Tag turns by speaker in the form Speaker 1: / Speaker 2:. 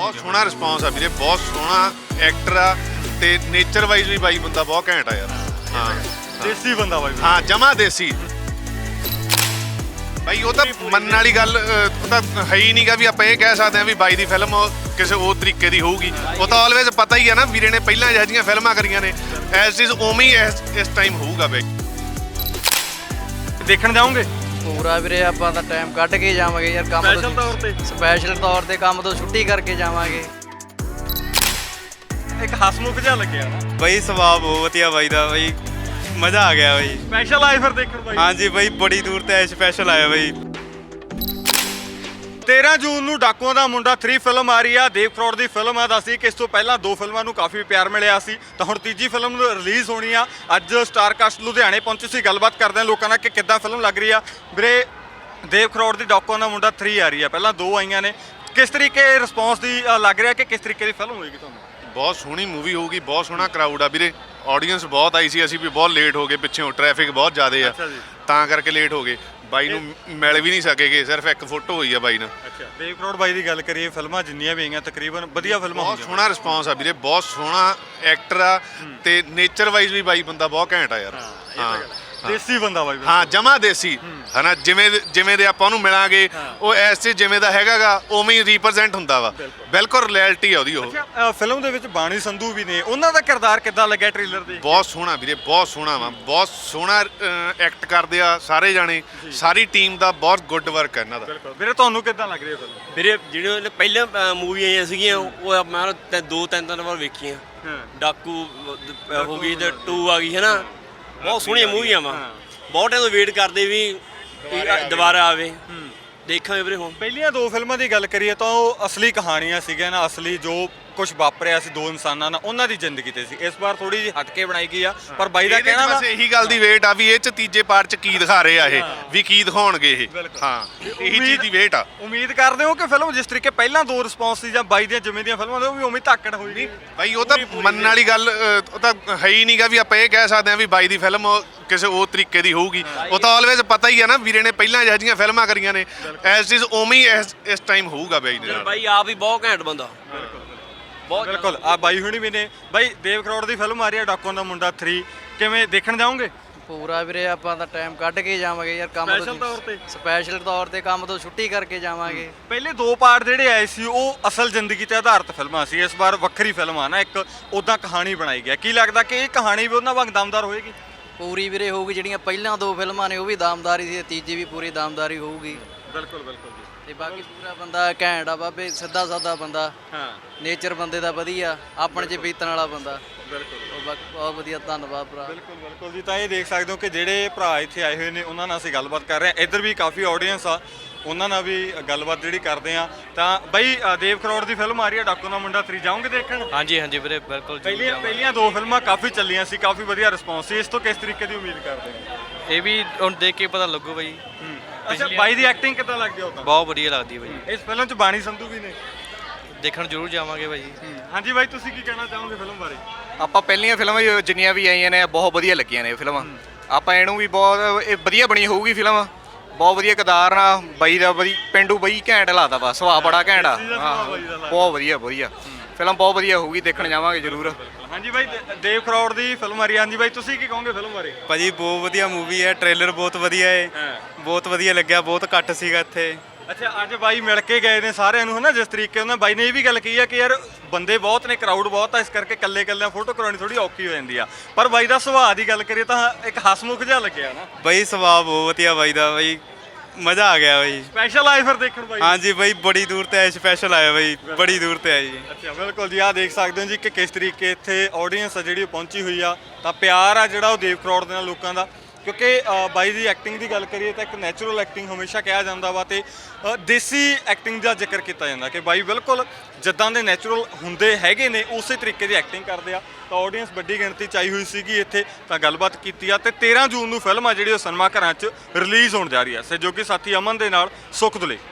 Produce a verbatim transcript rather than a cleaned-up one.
Speaker 1: ਬਹੁਤ ਸੋਹਣਾ ਰਿਸਪੌਂਸ ਆ ਵੀਰੇ, ਬਹੁਤ ਸੋਹਣਾ ਐਕਟਰ ਆ ਤੇ ਨੇਚਰ ਵਾਈਜ਼ ਵੀ ਬਾਈ ਬੰਦਾ ਬਹੁਤ ਘੈਂਟ ਆ ਯਾਰ। ਹਾਂ
Speaker 2: ਦੇਸੀ ਬੰਦਾ ਬਾਈ।
Speaker 1: ਹਾਂ ਜਮਾ ਦੇਸੀ ਬਾਈ। ਉਹ ਤਾਂ ਮੰਨਣ ਵਾਲੀ ਗੱਲ ਉਹ ਤਾਂ ਹੈ ਹੀ ਨਹੀਂਗਾ ਵੀ ਆਪਾਂ ਇਹ ਕਹਿ ਸਕਦੇ ਹਾਂ ਵੀ ਬਾਈ ਦੀ ਫਿਲਮ ਕਿਸੇ ਹੋਰ ਤਰੀਕੇ ਦੀ ਹੋਊਗੀ। ਉਹ ਤਾਂ ਆਲਵੇਜ਼ ਪਤਾ ਹੀ ਆ ਨਾ, ਵੀਰੇ ਨੇ ਪਹਿਲਾਂ ਇਹੋ ਜਿਹੀਆਂ ਫਿਲਮਾਂ ਕਰੀਆਂ ਨੇ, ਐਸ ਇਜ਼ ਉਵੇਂ ਹੀ ਇਸ ਟਾਈਮ ਹੋਊਗਾ ਬਾਈ।
Speaker 2: ਦੇਖਣ ਜਾਓਗੇ?
Speaker 3: ਪੂਰਾ ਵੀਰੇ, ਆਪਾਂ ਤਾਂ ਟਾਈਮ ਕੱਢ ਕੇ ਜਾਵਾਂਗੇ ਯਾਰ, ਕੰਮ
Speaker 2: ਸਪੈਸ਼ਲ ਤੌਰ ਤੇ
Speaker 3: ਸਪੈਸ਼ਲ ਤੌਰ ਤੇ ਕੰਮ ਤੋਂ ਛੁੱਟੀ ਕਰਕੇ ਜਾਵਾਂਗੇ।
Speaker 2: ਇੱਕ ਹਸਮੁਖ ਜਿਹਾ ਲੱਗਿਆ ਨਾ
Speaker 4: ਬਈ, ਸੁਭਾਅ ਬਹੁਤ ਵਧੀਆ ਬਾਈ ਦਾ ਬਈ, ਮਜ਼ਾ ਆ ਗਿਆ ਬਈ।
Speaker 2: ਸਪੈਸ਼ਲ ਆਏ ਫਿਰ ਦੇਖਣ ਬਾਈ?
Speaker 4: ਹਾਂਜੀ ਬਈ, ਬੜੀ ਦੂਰ ਤੇ ਸਪੈਸ਼ਲ ਆਇਆ ਬਈ।
Speaker 2: ਤੇਰ੍ਹਾਂ ਜੂਨ ਨੂੰ ਡਾਕੂਆਂ ਦਾ ਮੁੰਡਾ ਥ੍ਰੀ ਫਿਲਮ ਆ ਰਹੀ ਆ। ਦੇਵ ਕਰੋੜ ਦੀ ਫਿਲਮ ਆ। ਦੱਸੀ ਕਿ ਇਸ ਤੋਂ ਪਹਿਲਾਂ ਦੋ ਫਿਲਮਾਂ ਨੂੰ ਕਾਫੀ ਪਿਆਰ ਮਿਲਿਆ ਸੀ, ਤਾਂ ਹੁਣ ਤੀਜੀ ਫਿਲਮ ਰਿਲੀਜ਼ ਹੋਣੀ ਆ। ਅੱਜ ਸਟਾਰ ਕਾਸਟ ਲੁਧਿਆਣੇ ਪਹੁੰਚੀ ਸੀ, ਗੱਲਬਾਤ ਕਰਦੇ ਆ ਲੋਕਾਂ ਨਾਲ ਕਿ ਕਿੱਦਾਂ ਫਿਲਮ ਲੱਗ ਰਹੀ ਆ। ਵੀਰੇ, ਦੇਵ ਕਰੋੜ ਦੀ ਡਾਕੂਆਂ ਦਾ ਮੁੰਡਾ ਥ੍ਰੀ ਆ ਰਹੀ ਆ, ਪਹਿਲਾਂ ਦੋ ਆਈਆਂ ਨੇ, ਕਿਸ ਤਰੀਕੇ ਰਿਸਪੌਂਸ ਦੀ ਲੱਗ ਰਿਹਾ ਕਿ ਕਿਸ ਤਰੀਕੇ ਦੀ ਫਿਲਮ ਹੋਏਗੀ ਤੁਹਾਨੂੰ?
Speaker 1: ਬਹੁਤ ਸੋਹਣੀ ਮੂਵੀ ਹੋਊਗੀ, ਬਹੁਤ ਸੋਹਣਾ ਕਰਾਊਡ ਆ ਵੀਰੇ। ਆਡੀਅנס ਬਹੁਤ ਆਈ ਸੀ, ਅਸੀਂ ਵੀ ਬਹੁਤ ਲੇਟ ਹੋ ਗਏ, ਪਿੱਛੋਂ ਟ੍ਰੈਫਿਕ ਬਹੁਤ ਜ਼ਿਆਦਾ ਆ, ਤਾਂ ਕਰਕੇ ਲੇਟ ਹੋ ਗਏ। ਬਾਈ ਨੂੰ ਮਿਲ ਵੀ ਨਹੀਂ ਸਕੇਗੇ, ਸਿਰਫ ਇੱਕ ਫੋਟੋ ਹੋਈ ਆ ਬਾਈ ਨਾਲ।
Speaker 2: ਅੱਛਾ, ਦੇਵ ਕਰੋੜ ਬਾਈ ਦੀ ਗੱਲ ਕਰੀਏ, ਫਿਲਮਾਂ ਜਿੰਨੀਆਂ ਵੀ ਆਈਆਂ ਤਕਰੀਬਨ ਵਧੀਆ ਫਿਲਮਾਂ
Speaker 1: ਬਹੁਤ ਸੋਹਣਾ ਰਿਸਪੌਂਸ ਆ ਵੀਰੇ, ਬਹੁਤ ਸੋਹਣਾ ਐਕਟਰ ਆ ਤੇ ਨੇਚਰ ਵਾਈਜ਼ ਵੀ ਬਾਈ ਬੰਦਾ ਬਹੁਤ ਘੈਂਟ ਆ ਯਾਰ। ਹਾਂ
Speaker 2: ਦੇਸੀ ਬੰਦਾ ਬਾਈ।
Speaker 1: ਹਾਂ ਜਮਾ ਦੇਸੀ ਹਨਾ, ਜਿਵੇਂ ਜਿਵੇਂ ਦੇ ਆਪਾਂ ਉਹਨੂੰ ਮਿਲਾਂਗੇ ਉਹ ਐਸੇ ਜਿਵੇਂ ਦਾ ਹੈਗਾਗਾ ਉਵੇਂ ਹੀ ਰੀਪ੍ਰੈਜ਼ੈਂਟ ਹੁੰਦਾ ਵਾ। ਬਿਲਕੁਲ ਰਿਐਲਿਟੀ ਆ ਉਹਦੀ। ਉਹ
Speaker 2: ਅੱਛਾ, ਫਿਲਮ ਦੇ ਵਿੱਚ ਬਾਣੀ ਸੰਧੂ ਵੀ ਨੇ, ਉਹਨਾਂ ਦਾ ਕਿਰਦਾਰ ਕਿੱਦਾਂ ਲੱਗਿਆ ਟ੍ਰੇਲਰ ਦੇ?
Speaker 1: ਬਹੁਤ ਸੋਹਣਾ ਵੀਰੇ, ਬਹੁਤ ਸੋਹਣਾ ਵਾ, ਬਹੁਤ ਸੋਹਣਾ ਐਕਟ ਕਰਦੇ ਆ ਸਾਰੇ ਜਾਣੇ, ਸਾਰੀ ਟੀਮ ਦਾ ਬਹੁਤ ਗੁੱਡ ਵਰਕ ਹੈ ਇਹਨਾਂ ਦਾ।
Speaker 2: ਵੀਰੇ, ਤੁਹਾਨੂੰ ਕਿੱਦਾਂ ਲੱਗ ਰਹੀ ਹੈ ਫਿਲਮ?
Speaker 5: ਵੀਰੇ ਜਿਹੜੇ ਪਹਿਲਾਂ ਮੂਵੀ ਆਈਆਂ ਸੀਗੀਆਂ ਉਹ ਮੈਂ ਤਾਂ ਦੋ ਤਿੰਨ ਤਿੰਨ ਵਾਰ ਵੇਖੀਆਂ। ਡਾਕੂ ਹੋ ਗਈ ਤੇ ਟੂ ਆ ਗਈ ਹੈ ਨਾ, ਬਹੁਤ ਸੋਹਣੀਆਂ ਮੂਵੀਆਂ ਵਾ। ਬਹੁਤ ਟਾਈਮ ਤੋਂ ਵੇਟ ਕਰਦੇ ਵੀ ਦੁਬਾਰਾ ਆਵੇ, ਦੇਖਾਂਗੇ ਵੀਰੇ। ਹੁਣ
Speaker 2: ਪਹਿਲੀਆਂ ਦੋ ਫਿਲਮਾਂ ਦੀ ਗੱਲ ਕਰੀਏ ਤਾਂ ਉਹ ਅਸਲੀ ਕਹਾਣੀਆਂ ਸੀਗੀਆਂ ਨਾ, ਅਸਲੀ ਜੋ ਕੁਝ ਵਾਪਰਿਆ ਸੀ ਦੋ ਇਨਸਾਨਾਂ ਨਾਲ, ਉਹਨਾਂ ਦੀ ਜ਼ਿੰਦਗੀ ਤੇ ਸੀ। ਇਸ ਵਾਰ ਥੋੜੀ ਜਿਹੀ ਹਟ ਕੇ ਬਣਾਈ ਗਈ ਆ, ਪਰ ਬਾਈ ਦਾ ਕਹਿਣਾ ਵਾ
Speaker 1: ਬਸ ਇਹੀ ਗੱਲ ਦੀ ਵੇਟ ਆ ਵੀ ਇਹ ਚ ਤੀਜੇ ਪਾਰਟ ਚ ਕੀ ਦਿਖਾ ਰਹੇ ਆ, ਇਹ ਵੀ ਕੀ ਦਿਖਾਉਣਗੇ ਇਹ। ਹਾਂ ਇਹੀ ਚੀਜ਼ ਦੀ ਵੇਟ ਆ।
Speaker 2: ਉਮੀਦ ਕਰਦੇ ਹੋ ਕਿ ਫਿਲਮ ਜਿਸ ਤਰੀਕੇ ਪਹਿਲਾਂ ਦੋ ਰਿਸਪੌਂਸ ਸੀ ਜਾਂ ਬਾਈ ਦੀਆਂ ਜਿਵੇਂ ਦੀਆਂ ਫਿਲਮਾਂ ਦੇ, ਉਹ ਵੀ ਉਵੇਂ ਧਾਕੜ ਹੋਈ?
Speaker 1: ਬਾਈ ਉਹ ਤਾਂ ਮੰਨਣ ਵਾਲੀ ਗੱਲ ਉਹ ਤਾਂ ਹੈ ਹੀ ਨਹੀਂਗਾ ਵੀ ਆਪਾਂ ਇਹ ਕਹਿ ਸਕਦੇ ਹਾਂ ਵੀ ਬਾਈ ਦੀ ਫਿਲਮ ਕਿਸੇ ਹੋਰ ਤਰੀਕੇ ਦੀ ਹੋਊਗੀ। ਉਹ ਤਾਂ ਆਲਵੇਜ਼ ਪਤਾ ਹੀ ਆ ਨਾ, ਵੀਰੇ ਨੇ ਪਹਿਲਾਂ ਇਹੋ ਜਿਹੀਆਂ ਫਿਲਮਾਂ ਕਰੀਆਂ ਨੇ, ਐਸ ਇਜ਼ ਉਵੇਂ ਹੀ ਇਸ ਟਾਈਮ ਹੋਊਗਾ ਬਾਈ ਦੇ ਨਾਲ।
Speaker 5: ਬਾਈ ਆਪ ਹੀ ਬਹੁਤ ਘੈਂਟ ਬੰਦਾ, ਬਹੁਤ
Speaker 2: ਬਿਲਕੁਲ। ਆ ਬਾਈ ਹੁਣੀ ਵੀ ਨੇ। ਬਾਈ, ਦੇਵ ਕਰੋੜ ਦੀ ਫਿਲਮ ਆ ਰਹੀ ਹੈ ਡਾਕੂਆਂ ਦਾ ਮੁੰਡਾ ਥ੍ਰੀ, ਕਿਵੇਂ ਦੇਖਣ ਜਾਓਗੇ?
Speaker 3: ਪੂਰਾ ਵੀਰੇ, ਆਪਾਂ ਤਾਂ ਟਾਈਮ ਕੱਢ ਕੇ ਜਾਵਾਂਗੇ ਯਾਰ, ਕੰਮ
Speaker 2: ਸਪੈਸ਼ਲ ਤੌਰ ਤੇ?
Speaker 3: ਸਪੈਸ਼ਲ ਤੌਰ ਤੇ ਕੰਮ ਤੋਂ ਛੁੱਟੀ ਕਰਕੇ ਜਾਵਾਂਗੇ।
Speaker 2: ਪਹਿਲੇ ਦੋ ਪਾਰਟ ਜਿਹੜੇ ਆਏ ਸੀ ਉਹ ਅਸਲ ਜ਼ਿੰਦਗੀ ਤੇ ਆਧਾਰਿਤ ਫਿਲਮਾਂ ਸੀ, ਇਸ ਵਾਰ ਵੱਖਰੀ ਫਿਲਮ ਆ ਨਾ, ਇੱਕ ਉਦਾਂ ਕਹਾਣੀ ਬਣਾਈ ਗਿਆ। ਕੀ ਲੱਗਦਾ ਕਿ ਇਹ ਕਹਾਣੀ ਵੀ ਉਹਨਾਂ ਵਾਂਗ ਦਮਦਾਰ ਹੋਏਗੀ?
Speaker 3: ਪੂਰੀ ਵੀਰੇ ਹੋਊਗੀ, ਜਿਹੜੀਆਂ ਪਹਿਲਾਂ ਦੋ ਫਿਲਮਾਂ ਨੇ ਉਹ ਵੀ ਦਾਮਦਾਰੀ ਸੀ, ਤੀਜੀ ਵੀ ਪੂਰੀ ਦਾਮਦਾਰੀ ਹੋਊਗੀ।
Speaker 2: ਬਿਲਕੁਲ ਬਿਲਕੁਲ ਜੀ।
Speaker 3: ਤੇ ਬਾਕੀ ਪੂਰਾ ਬੰਦਾ ਘੈਂਟ ਆ ਬਾਬੇ, ਸਿੱਧਾ ਸਾਦਾ ਬੰਦਾ,
Speaker 2: ਹਾਂ
Speaker 3: ਨੇਚਰ ਬੰਦੇ ਦਾ ਵਧੀਆ, ਆਪਣੇ 'ਚ ਬੀਤਣ ਵਾਲਾ ਬੰਦਾ।
Speaker 2: ਬਿਲਕੁਲ
Speaker 3: ਉਹ ਬਾਕੀ ਬਹੁਤ ਵਧੀਆ, ਧੰਨਵਾਦ ਭਰਾ।
Speaker 2: ਬਿਲਕੁਲ ਬਿਲਕੁਲ ਜੀ। ਤਾਂ ਇਹ ਦੇਖ ਸਕਦੇ ਹੋ ਕਿ ਜਿਹੜੇ ਭਰਾ ਇੱਥੇ ਆਏ ਹੋਏ ਨੇ ਉਹਨਾਂ ਨਾਲ ਅਸੀਂ ਗੱਲਬਾਤ ਕਰ ਰਹੇ ਹਾਂ। ਇੱਧਰ ਵੀ ਕਾਫੀ ਆਡੀਅנס ਆ, ਉਹਨਾਂ ਨਾਲ ਵੀ ਗੱਲਬਾਤ ਜਿਹੜੀ ਕਰਦੇ ਆ। ਤਾਂ ਬਾਈ, ਦੇਵ ਕਰੋੜ ਦੀ ਫਿਲਮ ਆ ਰਹੀ ਹੈ ਡਾਕੂ ਦਾ ਮੁੰਡਾ ਥ੍ਰੀ, ਜਾਓਗੇ ਦੇਖਣ?
Speaker 4: ਹਾਂਜੀ ਹਾਂਜੀ ਵੀਰੇ, ਬਿਲਕੁਲ।
Speaker 2: ਪਹਿਲੀਆਂ ਪਹਿਲੀਆਂ ਦੋ ਫਿਲਮਾਂ ਕਾਫੀ ਚੱਲੀਆਂ ਸੀ, ਕਾਫੀ ਵਧੀਆ ਰਿਸਪੌਂਸ ਸੀ, ਇਸ ਤੋਂ ਕਿਸ ਤਰੀਕੇ ਦੀ ਉਮੀਦ ਕਰਦੇ ਹੋ?
Speaker 4: ਇਹ ਵੀ ਹੁਣ ਦੇਖ ਕੇ ਪਤਾ ਲੱਗੂ ਬਈ।
Speaker 2: ਅੱਛਾ, ਬਾਈ ਦੀ ਐਕਟਿੰਗ ਕਿੱਦਾਂ ਲੱਗਦੀ ਉਹ ਤਾਂ?
Speaker 4: ਬਹੁਤ ਵਧੀਆ ਲੱਗਦੀ ਬਈ।
Speaker 2: ਇਸ ਫਿਲਮ 'ਚ ਬਾਣੀ ਸੰਧੂ ਵੀ ਨੇ,
Speaker 4: ਦੇਖਣ ਜ਼ਰੂਰ ਜਾਵਾਂਗੇ ਭਾਈ।
Speaker 2: ਹਾਂਜੀ ਬਾਈ, ਤੁਸੀਂ ਕੀ ਕਹਿਣਾ ਚਾਹੋਗੇ ਫਿਲਮ ਬਾਰੇ?
Speaker 6: ਆਪਾਂ ਪਹਿਲੀਆਂ ਫਿਲਮਾਂ ਜਿੰਨੀਆਂ ਵੀ ਆਈਆਂ ਨੇ ਬਹੁਤ ਵਧੀਆ ਲੱਗੀਆਂ ਨੇ ਫਿਲਮਾਂ। ਆਪਾਂ ਇਹਨੂੰ ਵੀ ਬਹੁਤ ਇਹ ਵਧੀਆ ਬਣੀ ਹੋਊਗੀ ਫਿਲਮ, ਬਹੁਤ ਵਧੀਆ ਕਿਰਦਾਰ ਨਾਲ ਬਾਈ ਦਾ, ਬਈ ਪਿੰਡੂ ਬਈ ਘੈਂਟ ਲਾਦਾ ਵਾ, ਸੁਭਾਅ ਬੜਾ ਘੈਂਟ ਆ। ਹਾਂ ਬਹੁਤ ਵਧੀਆ ਵਧੀਆ ਫਿਲਮ, ਬਹੁਤ ਵਧੀਆ ਹੋਊਗੀ, ਦੇਖਣ ਜਾਵਾਂਗੇ ਜ਼ਰੂਰ।
Speaker 2: ਹਾਂਜੀ ਬਾਈ, ਦੇਵ ਕਰੋੜ ਦੀ ਫਿਲਮ ਆ ਰਹੀ ਹੈ। ਹਾਂਜੀ ਬਾਈ, ਤੁਸੀਂ ਕੀ ਕਹੋਗੇ ਫਿਲਮ ਬਾਰੇ?
Speaker 4: ਭਾਜੀ ਬਹੁਤ ਵਧੀਆ ਮੂਵੀ ਹੈ, ਟ੍ਰੇਲਰ ਬਹੁਤ ਵਧੀਆ ਹੈ, ਬਹੁਤ ਵਧੀਆ ਲੱਗਿਆ, ਬਹੁਤ ਘੱਟ ਸੀਗਾ ਇੱਥੇ।
Speaker 2: ਅੱਛਾ, ਅੱਜ ਬਾਈ ਮਿਲ ਕੇ ਗਏ ਨੇ ਸਾਰਿਆਂ ਨੂੰ, ਹਨਾ, ਜਿਸ ਤਰੀਕੇ ਉਹਨਾਂ ਬਾਈ ਨੇ ਇਹ ਵੀ ਗੱਲ ਕਹੀ ਆ ਕਿ ਯਾਰ ਬੰਦੇ ਬਹੁਤ ਨੇ, ਕਰਾਊਡ ਬਹੁਤ ਆ, ਇਸ ਕਰਕੇ ਇਕੱਲੇ ਇਕੱਲਿਆਂ ਫੋਟੋ ਕਰਾਉਣੀ ਥੋੜੀ ਔਖੀ ਹੋ ਜਾਂਦੀ ਆ। ਪਰ ਬਾਈ ਦਾ ਸੁਭਾਅ ਦੀ ਗੱਲ ਕਰੀਏ ਤਾਂ ਇੱਕ ਹਸਮੁਖ ਜਿਹਾ ਲੱਗਿਆ ਨਾ।
Speaker 4: ਬਈ ਸੁਭਾਅ ਬਹੁਤ ਵਧੀਆ ਬਾਈ ਦਾ ਬਈ, ਮਜ਼ਾ ਆ ਗਿਆ ਬਈ।
Speaker 2: ਸਪੈਸ਼ਲ ਆਏ ਫਿਰ ਦੇਖਣ ਬਾਈ?
Speaker 4: ਹਾਂਜੀ ਬਈ, ਬੜੀ ਦੂਰ ਤੇ ਆਏ, ਸਪੈਸ਼ਲ ਆਇਆ ਬਈ, ਬੜੀ ਦੂਰ ਤੇ ਆਏ ਜੀ।
Speaker 2: ਅੱਛਾ, ਬਿਲਕੁਲ ਜੀ। ਆਹ ਦੇਖ ਸਕਦੇ ਹੋ ਜੀ ਕਿ ਕਿਸ ਤਰੀਕੇ ਇੱਥੇ ਆਡੀਅנס ਆ ਜਿਹੜੀ ਪਹੁੰਚੀ ਹੋਈ ਆ, ਤਾਂ ਪਿਆਰ ਆ ਜਿਹੜਾ ਉਹ ਦੇਵ ਕਰੋੜ ਦੇ ਨਾਲ ਲੋਕਾਂ ਦਾ। ਕਿਉਂਕਿ ਬਾਈ ਦੀ ਐਕਟਿੰਗ ਦੀ ਗੱਲ ਕਰੀਏ ਤਾਂ ਇੱਕ ਨੈਚੁਰਲ ਐਕਟਿੰਗ ਹਮੇਸ਼ਾ ਕਿਹਾ ਜਾਂਦਾ ਵਾ, ਤੇ ਦੇਸੀ ਐਕਟਿੰਗ ਦਾ ਜ਼ਿਕਰ ਕੀਤਾ ਜਾਂਦਾ ਕਿ ਬਾਈ ਬਿਲਕੁਲ ਜਿੱਦਾਂ ਦੇ ਨੈਚੁਰਲ ਹੁੰਦੇ ਹੈਗੇ ਨੇ ਉਸੇ ਤਰੀਕੇ ਦੀ ਐਕਟਿੰਗ ਕਰਦੇ ਆ। ਤਾਂ ਆਡੀਅנס ਵੱਡੀ ਗਿਣਤੀ 'ਚ ਆਈ ਹੋਈ ਸੀਗੀ ਇੱਥੇ, ਤਾਂ ਗੱਲਬਾਤ ਕੀਤੀ ਆ। ਤੇ ਤੇਰ੍ਹਾਂ ਜੂਨ ਨੂੰ ਫਿਲਮ ਆ ਜਿਹੜੀ ਉਹ ਸਿਨੇਮਾ ਘਰਾਂ 'ਚ ਰਿਲੀਜ਼ ਹੋਣ ਜਾ ਰਹੀ ਆ। ਸਹਿਯੋਗੀ ਸਾਥੀ ਅਮਨ ਦੇ ਨਾਲ ਸੁਖ ਦੁਲੇ।